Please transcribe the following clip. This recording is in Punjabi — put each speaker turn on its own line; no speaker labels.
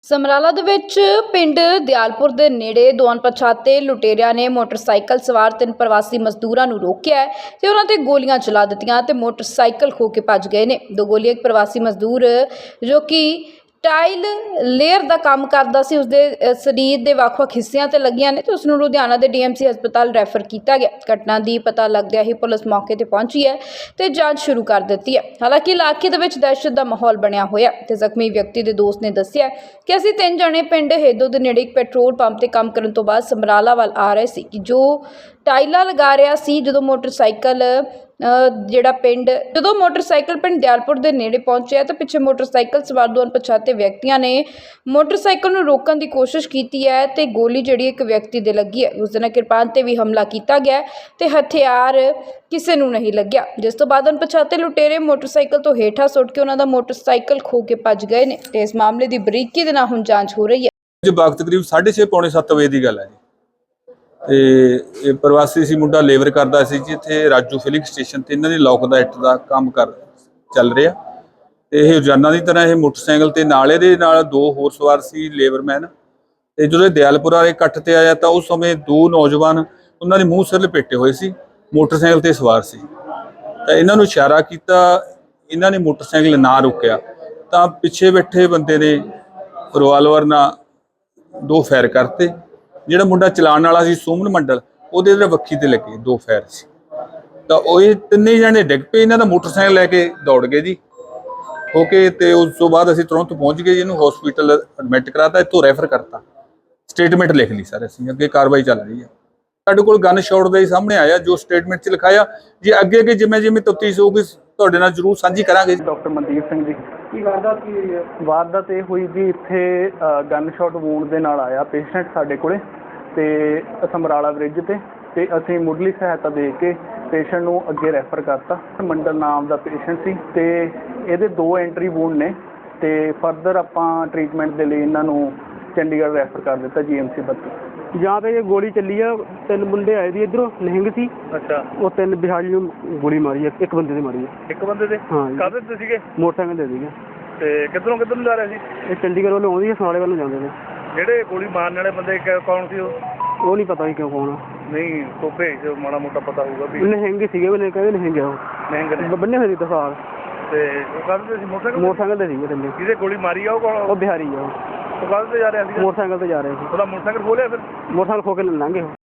ਸਮਰਾਲਾ ਦੇ ਵਿੱਚ ਪਿੰਡ ਦਿਆਲਪੁਰ ਦੇ ਨੇੜੇ ਦੋ ਅਣਪਛਾਤੇ ਲੁਟੇਰਿਆਂ ਨੇ ਮੋਟਰਸਾਈਕਲ ਸਵਾਰ 3 ਪ੍ਰਵਾਸੀ ਮਜ਼ਦੂਰਾਂ ਨੂੰ ਰੋਕਿਆ ਤੇ ਉਹਨਾਂ ਤੇ ਗੋਲੀਆਂ ਚਲਾ ਦਿੱਤੀਆਂ ਤੇ ਮੋਟਰਸਾਈਕਲ ਖੋਹ ਕੇ ਭੱਜ ਗਏ ਨੇ। ਦੋ ਗੋਲੀਆਂ ਇੱਕ ਪ੍ਰਵਾਸੀ ਮਜ਼ਦੂਰ ਜੋ ਕਿ ਟਾਈਲ ਲੇਅਰ ਦਾ ਕੰਮ ਕਰਦਾ ਸੀ, ਉਸਦੇ ਸਰੀਰ ਦੇ ਵੱਖ-ਵੱਖ ਹਿੱਸਿਆਂ ਤੇ ਲੱਗੀਆਂ ਨੇ ਤੇ ਉਸ ਨੂੰ ਲੁਧਿਆਣਾ ਦੇ ਡੀਐਮਸੀ ਹਸਪਤਾਲ ਰੈਫਰ ਕੀਤਾ ਗਿਆ। ਘਟਨਾ ਦੀ ਪਤਾ ਲੱਗਦਿਆਂ ਹੀ ਪੁਲਿਸ ਮੌਕੇ ਤੇ ਪਹੁੰਚੀ ਹੈ ਤੇ ਜਾਂਚ ਸ਼ੁਰੂ ਕਰ ਦਿੱਤੀ ਹੈ। ਹਾਲਾਂਕਿ ਇਲਾਕੇ ਦੇ ਵਿੱਚ ਦਹਿਸ਼ਤ ਦਾ ਮਾਹੌਲ ਬਣਿਆ ਹੋਇਆ ਤੇ ਜ਼ਖਮੀ ਵਿਅਕਤੀ ਦੇ ਦੋਸਤ ਨੇ ਦੱਸਿਆ ਕਿ ਅਸੀਂ 3 ਜਣੇ ਪਿੰਡ ਹੇਦੋ ਦੇ ਨੇੜੇ ਇੱਕ ਪੈਟਰੋਲ ਪੰਪ ਤੇ ਕੰਮ ਕਰਨ ਤੋਂ ਬਾਅਦ ਸਮਰਾਲਾ ਵੱਲ ਆ ਰਹੇ ਸੀ ਕਿ ਜੋ ਟਾਈਲਾਂ ਲਗਾ ਰਿਹਾ ਸੀ। ਜਦੋਂ ਮੋਟਰਸਾਈਕਲ ਪਿੰਡ ਦਿਆਲਪੁਰ ਦੇ ਨੇੜੇ ਪਹੁੰਚਿਆ ਤਾਂ ਪਿੱਛੇ ਮੋਟਰਸਾਈਕਲ ਸਵਾਰ ਦੋ ਅਣਪਛਾਤੇ ਵਿਅਕਤੀਆਂ ਨੇ ਮੋਟਰਸਾਈਕਲ ਨੂੰ ਰੋਕਣ ਦੀ ਕੋਸ਼ਿਸ਼ ਕੀਤੀ ਹੈ ਤੇ ਗੋਲੀ ਜਿਹੜੀ ਇੱਕ ਵਿਅਕਤੀ ਦੇ ਲੱਗੀ ਹੈ। ਉਸ ਦੇ ਨਾਲ ਕਿਰਪਾਨ ਤੇ ਵੀ ਹਮਲਾ ਕੀਤਾ ਗਿਆ ਤੇ ਹਥਿਆਰ ਕਿਸੇ ਨੂੰ ਨਹੀਂ ਲੱਗਿਆ, ਜਿਸ ਤੋਂ ਬਾਅਦ ਅਣਪਛਾਤੇ ਲੁਟੇਰੇ ਮੋਟਰਸਾਈਕਲ ਤੋਂ ਹੇਠਾਂ ਸੁੱਟ ਕੇ ਉਹਨਾਂ ਦਾ ਮੋਟਰਸਾਈਕਲ ਖੋਹ ਕੇ ਭੱਜ ਗਏ ਨੇ ਤੇ ਇਸ ਮਾਮਲੇ ਦੀ ਬਰੀਕੀ ਦੇ ਨਾਲ ਹੁਣ ਜਾਂਚ ਹੋ ਰਹੀ ਹੈ।
ਜੀ ਵਕਤ ਤਕਰੀਬ 6:30 ਪੌਣੇ 7 ਵਜੇ ਦੀ ਗੱਲ ਹੈ ਜੀ। ਤੇ ਇਹ ਪ੍ਰਵਾਸੀ ਸੀ ਮੁੰਡਾ ਲੇਬਰ ਕਰਦਾ ਸੀ ਜੀ ਇੱਥੇ ਰਾਜੂ ਫਿਲਿੰਗ ਸਟੇਸ਼ਨ ਤੇ। ਇਹਨਾਂ ਦੀ ਲੋਕ ਦਾ ਇੱਟ ਦਾ ਕੰਮ ਚੱਲ ਰਿਹਾ ਤੇ ਇਹ ਰੋਜ਼ਾਨਾ ਦੀ ਤਰ੍ਹਾਂ ਇਹ ਮੋਟਰਸਾਈਕਲ ਤੇ ਨਾਲ ਇਹਦੇ ਨਾਲ 2 ਹੋਰ ਸਵਾਰ ਸੀ ਲੇਬਰਮੈਨ। ਤੇ ਜਦੋਂ ਇਹ ਦਿਆਲਪੁਰ ਵਾਲੇ ਇਕੱਠ ਤੇ ਆਇਆ ਤਾਂ ਉਸ ਸਮੇਂ 2 ਨੌਜਵਾਨ ਉਹਨਾਂ ਦੇ ਮੂੰਹ ਸਿਰ ਲਪੇਟੇ ਹੋਏ ਸੀ, ਮੋਟਰਸਾਈਕਲ ਤੇ ਸਵਾਰ ਸੀ। ਤਾਂ ਇਹਨਾਂ ਨੂੰ ਇਸ਼ਾਰਾ ਕੀਤਾ, ਇਹਨਾਂ ਨੇ ਮੋਟਰਸਾਈਕਲ ਨਾ ਰੁਕਿਆ ਤਾਂ ਪਿੱਛੇ ਬੈਠੇ ਬੰਦੇ ਨੇ ਰਿਵਾਲਵਰ ਨਾਲ 2 ਫਾਇਰ ਕਰਤੇ। ਜਿਹੜਾ ਮੁੰਡਾ ਚਲਾਉਣ ਵਾਲਾ ਸੀ ਸੁਮਨ ਮੰਡਲ, ਉਹਦੇ ਵੱਖੀ ਤੇ ਲੱਗੇ 2 ਫਾਇਰ ਸੀ। ਤਾਂ ਉਹ ਇਹ 3 ਜਣੇ ਡਿੱਗ ਪਏ, ਇਹਨਾਂ ਦਾ ਮੋਟਰਸਾਈਕਲ ਲੈ ਕੇ ਦੌੜ ਗਏ ਜੀ ਹੋ ਕੇ। ਤੇ ਉਸ ਤੋਂ ਬਾਅਦ ਅਸੀਂ ਤੁਰੰਤ ਪਹੁੰਚ ਗਏ ਜੀ, ਇਹਨੂੰ ਹਸਪੀਟਲ ਐਡਮਿਟ ਕਰਾਤਾ, ਇੱਥੋਂ ਰੈਫਰ ਕਰਤਾ, ਸਟੇਟਮੈਂਟ ਲਿਖ ਲਈ ਸਰ। ਅਸੀਂ ਅੱਗੇ ਕਾਰਵਾਈ ਚੱਲ ਰਹੀ ਹੈ। ਸਾਡੇ ਕੋਲ ਗਨ ਸ਼ਾਟ ਦਾ ਹੀ ਸਾਹਮਣੇ ਆਇਆ ਜੋ ਸਟੇਟਮੈਂਟ 'ਚ ਲਿਖਾਇਆ ਜੀ। ਅੱਗੇ ਜਿਵੇਂ ਤਫਤੀਸ਼ ਹੋਊਗੀ ਤੁਹਾਡੇ ਨਾਲ ਜ਼ਰੂਰ ਸਾਂਝੀ ਕਰਾਂਗੇ।
ਡਾਕਟਰ ਮਨਦੀਪ ਸਿੰਘ ਜੀ। ਕੀ ਵਾਰਦਾਤ ਕੀ ਹੋਈ ਹੈ? ਵਾਰਦਾਤ ਇਹ ਹੋਈ ਜੀ, ਇੱਥੇ ਗਨ ਸ਼ਾਟ ਵੂੰਡ ਦੇ ਨਾਲ ਆਇਆ ਪੇਸ਼ੈਂਟ ਸਾਡੇ ਕੋਲੇ ਤੇ ਸਮਰਾਲਾ ਬ੍ਰਿਜ ਤੇ ਅਸੀਂ ਮੁੱਢਲੀ ਸਹਾਇਤਾ ਦੇ ਕੇ ਪੇਸ਼ੈਂਟ ਨੂੰ ਅੱਗੇ ਰੈਫਰ ਕਰਤਾ। ਮੰਡਲ ਨਾਮ ਦਾ ਪੇਸ਼ੈਂਟ ਸੀ ਤੇ ਇਹਦੇ 2 ਐਂਟਰੀ ਵੂੰਡ ਨੇ ਤੇ ਫਰਦਰ ਆਪਾਂ ਟ੍ਰੀਟਮੈਂਟ ਦੇ ਲਈ ਇਹਨਾਂ ਨੂੰ ਚੰਡੀਗੜ੍ਹ ਰੈਫਰ ਕਰ ਦਿੱਤਾ GMC 32।
ਜਾਂ ਤੇ ਇਹ ਗੋਲੀ ਚੱਲੀ ਆ, 3 ਮੁੰਡੇ ਆਏ ਸੀ ਇੱਧਰੋਂ ਨਿਹੰਗ ਸੀ।
ਅੱਛਾ।
ਉਹ 3 ਬਿਹਾਰੀ ਨੂੰ ਗੋਲੀ ਮਾਰੀ ਆ, ਇੱਕ ਬੰਦੇ ਤੇ ਮਾਰੀ ਆ।
ਇੱਕ ਬੰਦੇ ਤੇ?
ਹਾਂ।
ਕਾਹਦੇ ਤੇ ਸੀਗੇ?
ਮੋਟਰਸਾਈਕਲ ਤੇ ਸੀਗੇ।
ਤੇ ਕਿੱਧਰੋਂ ਨੂੰ ਜਾ ਰਹੇ ਸੀ?
ਇਹ ਚੰਡੀਗੜ੍ਹ ਵੱਲੋਂ ਆਉਂਦੀ ਆ, ਸਮਰਾਲੇ ਵੱਲ ਨੂੰ ਜਾਂਦੇ ਨੇ।
ਜਿਹੜੇ ਗੋਲੀ ਮਾਰਨ ਵਾਲੇ ਬੰਦੇ ਕੌਣ ਸੀ?
ਉਹ ਨਹੀਂ ਪਤਾ ਸੀ ਕਿਉਂ ਕੌਣ ਆ।
ਨਹੀਂ ਤੋਂ ਭੇਜ ਮਾੜਾ ਮੋਟਾ ਪਤਾ ਹੋਊਗਾ ਵੀ
ਨਿਹੰਗ ਸੀਗੇ, ਉਹਨੇ ਕਹਿੰਦੇ ਨਿਹੰਗ ਆ। ਉਹ
ਨਿਹੰਗ ਨੇ
ਬੰਨੇ ਹੋਏ ਸੀ ਤਸਾਰ
ਤੇ ਉਹ ਕਾਹਦੇ ਤੇ ਸੀ?
ਮੋਟਰਸਾਈਕਲ ਤੇ ਸੀਗੇ 3।
ਜਿਹਦੇ ਗੋਲੀ ਮਾਰੀ ਆ ਉਹ ਕੌਣ?
ਉਹ ਬਿਹਾਰੀ ਆ।
ਉਹ ਕਾਹਦੇ ਤੇ ਜਾ ਰਿਹਾ ਸੀ?
ਮੋਟਰਸਾਈਕਲ ਤੇ ਜਾ ਰਹੇ ਸੀ।
ਉਹਦਾ ਮੋਟਰਸਾਈਕਲ ਖੋਲਿਆ ਫਿਰ?
ਮੋਟਰਸਾਈਕਲ ਖੋ ਕੇ ਲੰਘੇ ਉਹ।